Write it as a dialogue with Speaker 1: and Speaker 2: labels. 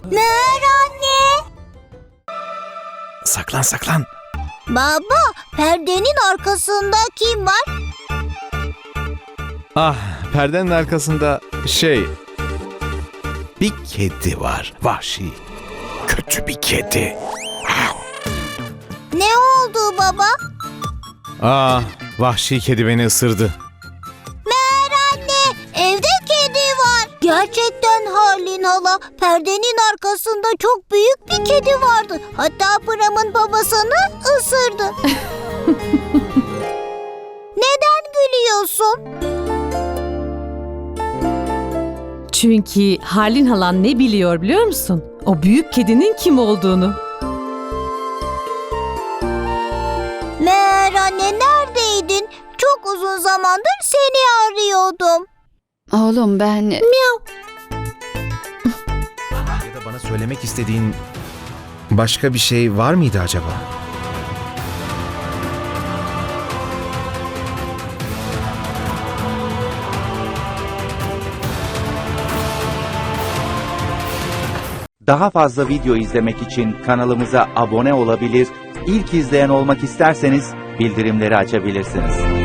Speaker 1: Meğer anne.
Speaker 2: Saklan saklan.
Speaker 1: Baba, perdenin arkasında kim var?
Speaker 2: Ah, perdenin arkasında bir kedi var. Vahşi. Kötü bir kedi.
Speaker 1: Ne oldu baba?
Speaker 2: Ah, vahşi kedi beni ısırdı.
Speaker 1: Meğer anne, evde kedi var. Gerçekten Harlin hala, perdenin arkasında çok büyük bir kedi vardı. Hatta Pram'ın babasını ısırdı. Neden gülüyorsun?
Speaker 3: Çünkü Harlin halan ne biliyor musun? O büyük kedinin kim olduğunu.
Speaker 1: Meğer anne, neredeydin? Çok uzun zamandır seni arıyordum.
Speaker 4: Oğlum ben...
Speaker 2: Ya da bana söylemek istediğin başka bir şey var mıydı acaba?
Speaker 5: Daha fazla video izlemek için kanalımıza abone olabilir, ilk izleyen olmak isterseniz bildirimleri açabilirsiniz.